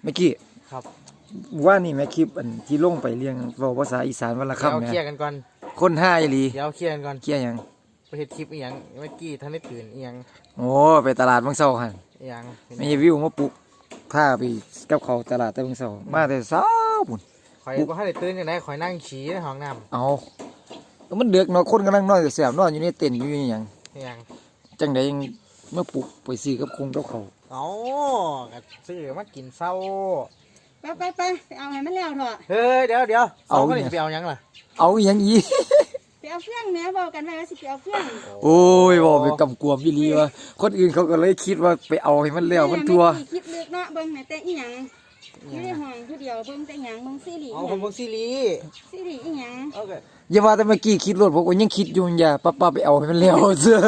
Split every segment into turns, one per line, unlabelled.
เมื่อกี้
ครับ
ว่านี่แม่คลิปอันที่ลงไปเรียงเว้าภาษาอีสานวันละคำ
เดี๋ยว
แม่
เคลียร์กันก่อน
คนห้าอีหลี
เดี๋ยวเคลียร์กันก่อน
เคลียร์หยัง
ไปเฮ็ดคลิปอีหยังเมื่อกี้ท่านได้ตื่นอีหยัง
โอ้ไปตลาดเบิ่งเช้าหั่น
อีหยัง
ไม่วิวมาปลุกพาไปกับเขาตลาดแต่เบิ่งเช้ามาแต่เช้าพุ่น
ข่อยบ่ทันได้ตื่นจังได๋ข่อยนั่งฉี่ในห้องน้ำ
เอาก็มันเดือกเนาะคนกำลังนอนแสบๆนอนอยู่ในเต็นท์อยู่อหยัง
อีหยัง
จังไดยังมาปลุกไปซื้อกับคงกับเขาว
เอ้าก็ซื้อมากินเช้า
ไปเอาให้มันแล้วเถอะ
เฮ้ยเดี๋ยวเอาคนนี้ไปเอาหยังล่ะ
เอาอหยังอีก
ไปเอาเฟื่องแม่บอกกันไว้ว่าสิไปเอาเฟื่อง
โอ้ยบอกไปกำกวมอีหลีว่าคนอื่นเขาก็เลยคิดว่าไปเอาให้มันแล้วมันทัว
แคิดลึกเนาะเบิ่งแม่แต่อีหยังอยู่ในห้องผู้เดียวเบิ่งแต่หยังเบิ่งซีรีส์
เอา
อีห
ผ
ยั
ม
ง
เบิ่งซีรีส์
ซีรีส์อีหยัง
โอเค
อย่าว่าแต่เมื่อกี้คิดรถผมก็ยังคิดอยู่อย่าป้าไปเอาให้มันแล้วเสื้อ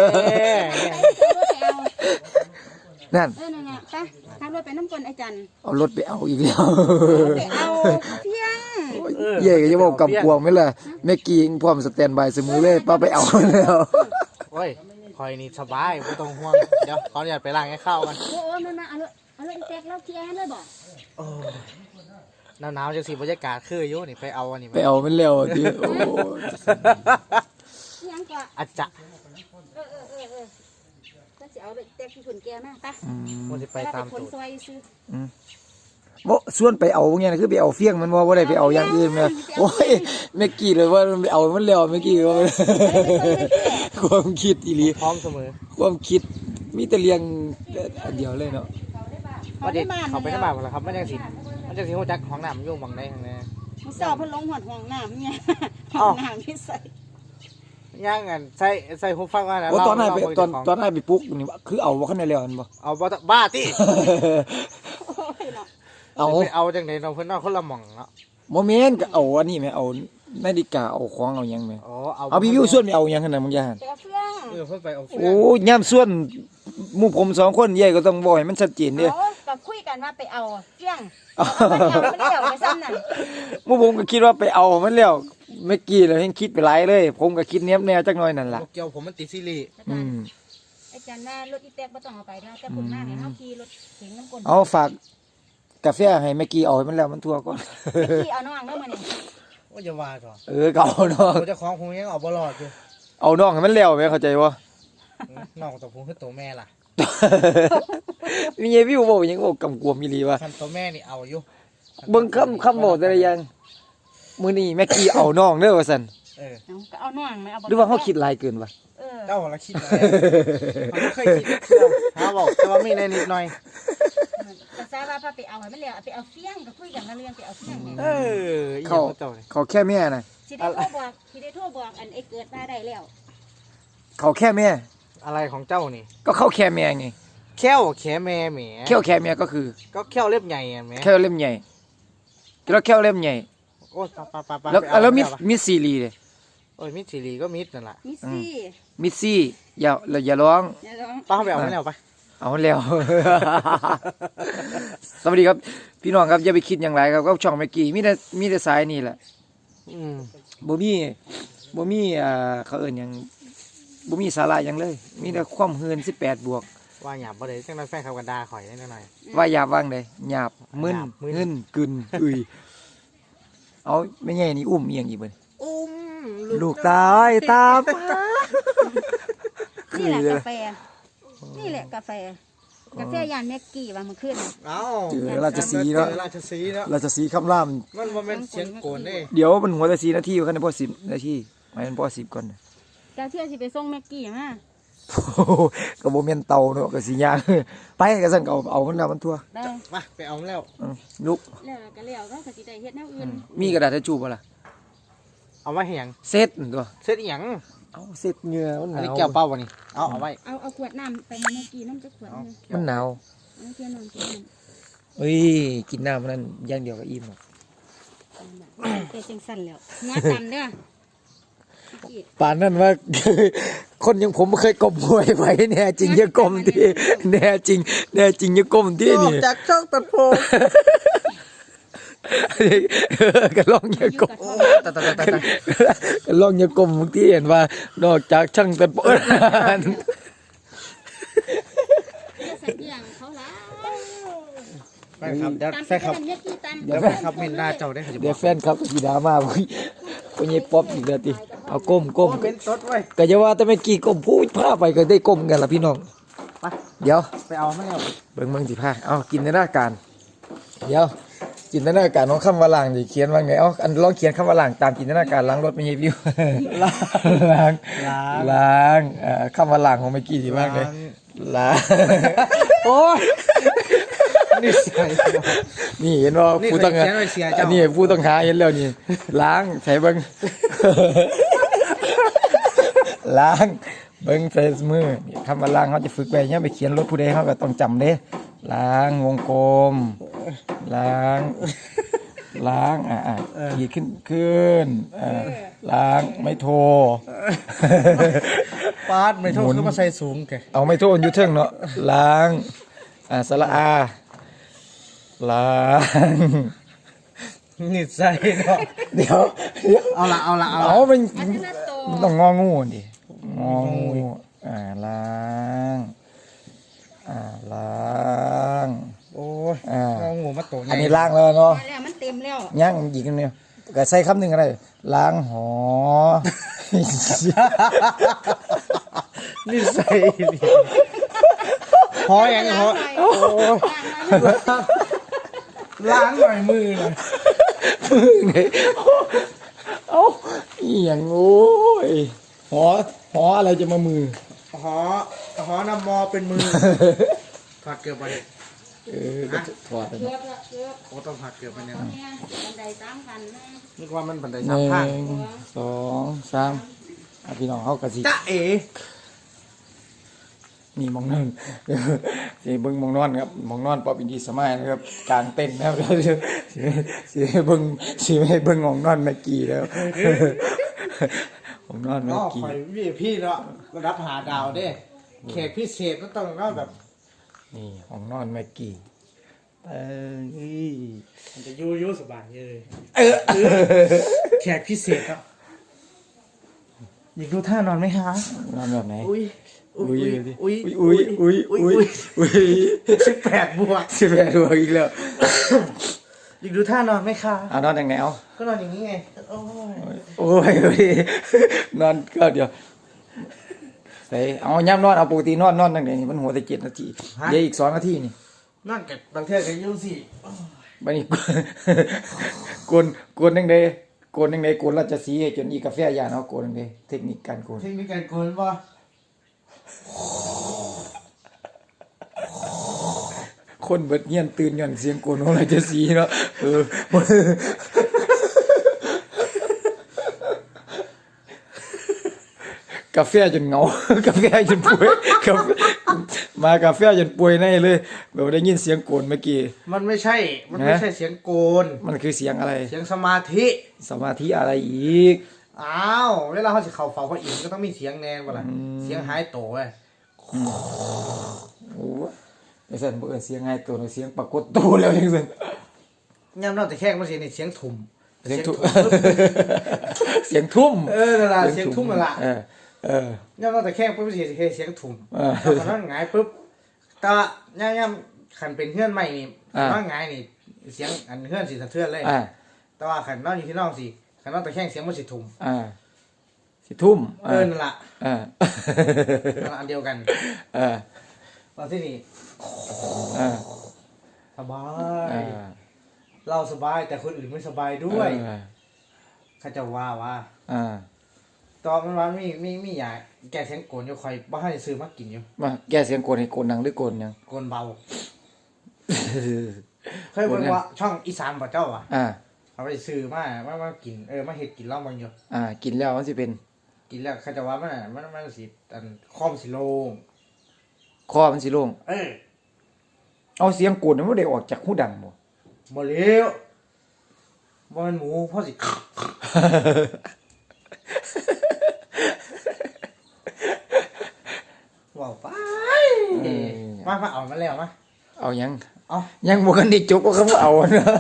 นั่น
นั่นน่ะไปทางรถไปน้ำกลไอ้จัน
เอารถไปเอาอีกแล้ว
ไปเอาเฟี้ยง
เย่ก็จะบอกกำกวมไหมล่ะแม่กี้ยังพร้อมสแตนบายเสมอเลยป้าไปเอาแล้ว
โอ้ยข่อยนี่สบายไม่ต้องห่วงเดี๋ยวขออนุญาตไปล้างให้เข้าวกัน
โอ้นั่นน่ะเอาเลยอีแตกแล้วเคลียร์ให้เลยบ่
หนาวๆจังสิบรรยากาศคืออยู่นี่ไปเอาอันนี้
ไปเอามันแล้วทีโอ้
อีหยังก็
อาจจะ
เออก็สิเอาเลยแตกที่ผลแกมาไป
มันจะไปตาม
คน
ตูด
ซอยซื้อ
บ่ส่วนไปเอาเงี้ยคือไปเอาเฟี้ยงมันว่าบ่ได้ไปเอาอย่างอื่นแม่โอ้ยแม่กี้เลยว่ามันไปเอามันแล้วแม่กี้ว่าความคิดอีหลี
พร้อมเสมอ
ความคิดมีแต่เลี้ยงอันเดียวเลยเนาะ
ว่าเด็กเขาไปน้ำบาปแล้วครับมันจังสิหัวจักของน้ำยุ่งบังได้ทางนี้
มึงสาวเพิ่นลงหอดห้องน้ำเนี่ยห้องน้ำที่ใส่
ย่างกันใส่หูฟังว่าแล้ว
โอ้ตอนนั้นไปตอนนั้นไปปลุ๊กนี่คือเอาบ่คันได้แล้วอันบ่
เอาบ้าติ
โอ้ยเนาะ
เอา
ไปเอาจังไหนเราเพิ่นเอาคนละหม่องเนาะ
บ่แม่นก็เอาอันนี้แม่เอานาฬิกาเอาของเอาหยังแม่
อ๋อ
เอาพี่วิวส่วนไปเอาหยังคั่นน่ะมึงอย่าหั่น
ไปเอาเฟื่อง
เพิ่นไปเอา
โอ้ยามส่วนหมู่ผม2คนใหญ่ก็ต้องบอกให้มันชัดเจนเด้อ
เอาก็คุยกันว่าไปเอาเฟื่องเอาไม่ได้เอาไปซ้ำนั่น
หมู่ผมก็คิดว่าไปเอามันแล้วเมื่อกี้แล้วยังคิดไปหลายเลย ผมก็คิดแนวจักหน่อยนั่นล่ะ
เกี่ยวผมมันติดซีรีส์
ไอ้จันว่ารถอีแตกบ่ต้องเอาไปนะแต่ผมหน้าเนี่ยเฮาขี่รถเข็นน้ำกล
เอาฝากกาแฟให้เมื่อกี้เอาให้มันแล้วมันทั่วก่อน
ขี่เอาน้องเด้อมื้อนี้
ว่าจะว่าก่อน
ก็เอาน้อง
เจ้าของผมยังเอาบ่รอดอยู่
เอาน้องให้มันแล้วแม่เข้าใจบ่
น้องตัวผมคือตัวแม่ล่ะ
มีไอ้วิวบอกยังบอกกำกวมอีหลีว่า
คันตัวแม่นี่เอาอยู่
เบิ่งคำบอกแต่ละอย่างมื้อนี้แม่กี้เอาน้องเด้อว่าซั่น
เอาก็เอาน้องไม่เอาบ่
หรือว่าเฮาคิดหลายเกินวะ
เจ้าละคิดอะไรมันไม่เคยคิดหาบอกแต่ว่ามีในนิดหน่อย
ก็ทราบว่าพาไปเอาให้มันแล้วไปเอาเฟี้ยงก็คุยกันเรื่องไปเอาเฟี้ยงเนี่ย
เขา
เขาแค่แม่น่ะ
สิได้โทรบอกอันไอ้เกิดมาได้แล้ว
เขาแค่แม่
อะไรของเจ้านี่
ก็เขาแค่แม่ไง
แค่วแค่แม่แหม
แค่แค่แม่ก็คือ
ก็แค่วเล็บใหญ่แหม
แค่เล่มใหญ่แล้วแค่เล่มใหญ่
โอ้ปะ
แล้วมีซีรีส์เลย
โอ้ยมิดซีรีก็มิดนั่นแหละ
มิสซี่
มิซี่อย่าร้อง
เดี๋ยวลอง
ป้าไปเอาไม่แล้วไป
เอาแล้ว สวัสดีครับ พี่น้องครับอย่าไปคิดอย่างไรครับก็ช่องเมื่อกี้มีแต่สายนี่แหละบ่มีเขาเอิ้นหยังบ่มีสาระหยังเลย มีแต่ความเฮือน18 บวก
ว่าหยาบบ่ได้จังนั้นแฟนเขากันด่าข่อยได้หน่อย
ว่าหยาบว่างใดหยาบมึน
หยาบมึน
เงินกึนเอาไม่ใช่นี่อุ้มเอียงอีกเบิ่น
อุ้ม
ลูกตายตามมา
นี่แหละกาแฟนี่แหละกาแฟยานแม็กกี้ว่ามันขึ้น
เอ้า
เจอราชสีห์เนาะ
ราชสีห์เนาะ
ราชสีห์คำราม
มันบ่แม่นเสียงโกนเด้
เดี๋ยวมันหัวแต่4 นาทีอยู่คันพอ10 นาทีหมายมันพอ10ก่อน
เจ้าเที่ยวสิไปส่งแม็กกี้มา
โอ้โหก็บ่แม่นเตาเนาะก็สิย่าง ไปก็ซั่นก็เอามันแล้วมันทั่ว
ได้
มาไปเอาแล้ว
ลุก
แล้วก็แล้วก็สิได้เฮ็ดแนวอื่น
มีกระดาษทิชชู่บ่ล่ะ
เอาไว้ให้หยัง
เซ็ตตัว
เสร็จอีหยัง
เอาเซ็ตเหงื่อมันห
อัน
นา
นี้
ว
แก้วเปล่าวะนี่เอาไว้
เอาขวดน้ำไปให้แม็กกี้น้ำจักขวดนึง
มันหนาว
เอาเที่ยวนอนกินน้
เฮ้ยกินน้ำมันนั้นอย่างเดียวก็อิ่มหรอก
ำเป็นจังสั่นแล้วหัวตันเด้อ
ป่านนั้นว่า คนอยังผมไม่เคยก้มหัวไว้แน่จริงอย่าก้มที่แน่จริงอย่าก้มที่นี่
จากช่องตัดผม
ก็ลองอย่าก้ม
ตัด
ก็ลองอย่าก้มที่เห็นว่านอกจากช่างแต่ปน
จะใส่เกี่ยงเขาแล้ว
แฟนครับเดี๋ยวแฟนครับ
เม็ดกี้ตาม
เดี๋ยวแฟนครับเห็นหน้าเจ้าได้เขาจะบ
เดี๋ย
อ
ว
ก
แฟนครับสีดราม่าพุ่นพุ่นยายป๊อบอีกแล้วติเอาก้ม
โอ้เป็นตดไว้ย
ก็จะว่าแต่ไม่กี่ก้มพูดพาไปก็ได้ก้มกันล่ะพี่น้อง
ไป
เดี๋ยว
ไปเอาไม่เอา
เบิ่งสิพาเอากินในหน้าการเดี๋ยวจินตนาการของคำว่าล้างดิเขียนว่าไงเอาอันลองเขียนคำว่าล้างตามจินตนาการล้างรถไม่ใช่วิวล้างคำว่าล้างของเมื่อกี้สิว่าไงล้าง
โอ้ยนี่ใส่
นี่เห็นว่า
นี่
ผู้ต้องหา
เขียนไว้เสีย
อั
เจ้าน
นี้ผู้ต้องหาเห็นแล้วนี่ล้างใส่เบิ่ง ล้างเบิ่งใส่มือนี่คำว่าล้างเขาจะฝึกไปเนี่ยไปเขียนรถผู้ใดเขาก็ต้องจำเด้ล้างวงกลมล้างขีดขึ้นล้างไม่โทร
ปาดไม่โทษคือมาใส่สูงแก
เอาไม่โทรอยู่เทิงเนาะล้างสระอาล้าง
นี่ใส่เนาะ
เดี๋ยว
เอาละ
เอามัน
อันนี้ละโต
ต้องงองูดิงองูล้างล้าง
โอ้ย
อ่า
เอางูมาโตไง
อันนี้ล้างแล้วเนาะ
มาแล้วมันเต็มแล้ว
ย่างอีกนิดนึงก็ใส่คำหนึ่งอะไรล้างหอ
นี่ใส่ดิหอยังหอ
โอ้ย
ล้างหน่อยมือหน่อย
มึงไงเอ้าอีหยังโอ้ยหออะไรจะมามือ
หอนำมอเป็นมือผัดเกลือไป
ก็ถอด
เกือบละเกือบ
โอ้ต้องผัดเกลือไปเนี่ย
เนี่ยบันไดตามกันนะ
นึกว่ามันผัดได้
ห
สาม
นึ่
ข้าง
งสองสามพี่น้องเขากระสิ
จ๊ะเอ๋
นี่มองนั่น สิเบิ่งมองนอนครับมองนอนปอบอินดีสมัยนะครับกลางเต็นท์นะครับสิให้เบิ่งมองนอนเมื่อกี้แล้ว มองนอนเมื่
ก็
อกี้
คอยพี่เนาะระดับหาดาวเด้แขกพิเศษก็ต้องก็แบบ
นี่มองนอนเมื่อกี้เอ้ย
มันจะยูสบายเลยแขกพิเศษครับอยากดูท่านอนไหมคะ
นอนแบบไหน
อุ้ย
อุ้ย
อุ้ย
อุ้ยอุ้ยอุ้ยอุ้ย
18 บวก
18บวกอีกแล้ว
อยากดูท่านอนไหมคะ
เอานอนอย่างไหนเอา
ก็นอนอย่างนี้ไงโอ้ย
โอ้ยนอนก็เดี๋ยวใส่เอาย่ำนอนเอาปกตินอนตั้งแต่นี่มันหัวแต่7 นาทีเดี๋ยวอีก2 นาทีนี่
นอนกับบางเทื่อกันยูสิ
บัดนี้ กวนจังได๋กวนจังได๋กวนราชสีห์จนอีกาแฟยานเอากวนจังได๋เทคนิคการกวน
เทคนิคการโกนป่ะ
คนเบิดเฮียนตื่นย้อนเสียงกวนของราชสีห์เนาะกาแฟจนเหงา กาแฟจนป่วยกาแฟจนป่วยในเลยแบบได้ยินเสียงโกนเมื่อกี้
มันไม่ใช่เสียงโกน
มันคือเสียงอะไร
เสียงสมาธิ
สมาธิอะไรอีก
อ้าวเวลาเขาสิเข่าเฝ้าพระอินทร์ก็ต้องมีเสียงแนนก่อนล่ะเสียงหายโตเว้ย
โอ้ไอ้สันบ่เอิ้นเสียงไงตัวเสียงปรากฏตัวแล้วจังซั่น
ย่ำนอกแต่แค่มันเสียงนี่เสียงทุ่ม
เสียงทุ่ม เสียงทุ่ม
นั่นล่ะเสียงทุ่มนั่นล่ะ
ย่
ำนอกแต่แค่ปุ๊บเสียงทุ่ม
เออ
ตอนนั้นหงายปุ๊บตาย่ำขันเป็นเฮือนใหม่นี่ตอนหงายนี่เสียงอันเฮือนสิสะเทือนเลย แต่ว่าขันนอนอยู่ที่นอกสิขันนอนแต่แค่เสียงมันสิทุ่ม
สิทุ่ม
นั่นล่ะ
อ่า
นั่นล่ะอันเดียวกัน ตอนที่นี่
อ่า
สบาย เราสบายแต่คนอื่นไม่สบายด้วยเขาจะว่าตอนมันมีอยากแกเสียงโกนอยู่คอยบ้านซื้อมากินอยู่
มาแก้เสียงโกนให้โกนดังหรือโกนยัง
โกนเบาเคยบอกว่าช่องอีสานบ่เจ้าอ่ะเขาไปซื้อมากินมาเฮ็ดกินเหล้าบางอยู่
กินแล้วมันสิเป็น
กินแล้วเขาจะว่ามันสิอันคอมสิโลง
คอมันสิโล่งเอาเสียงโกนมันบ่ได้ออกจากหูดังบ่
บ่เลี้ยวบ่มันหมูพ่อสิว้าวไปมาเอามาแล้วมา
เอายัง
เอา
ยังบ่กันได้จบว่าเขาบ่เอาเนาะ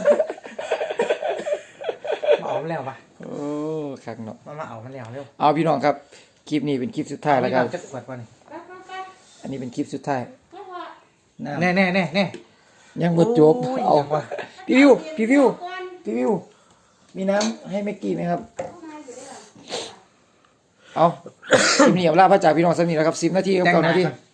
มาเอามาแล้วปะ
โอ้คักเนาะ
มาเอามาแล้วเร็ว
เอาพี่น้องครับคลิปนี้เป็นคลิปสุดท้ายแล้วครับ
จะขวดป่ะนี่
ไป
อันนี้เป็นคลิปสุดท้าย
เพราะว่า
น้ำ
แน่
ยังบ่จบ
โย
เอา
ยังวะ
พี่วิวมีน้ำให้แม็กกี้ไหมครับเอาคลิปนี้เอาลาพระจากพี่น้องสมีแล้วครับ10 นาทีกับ9 นาที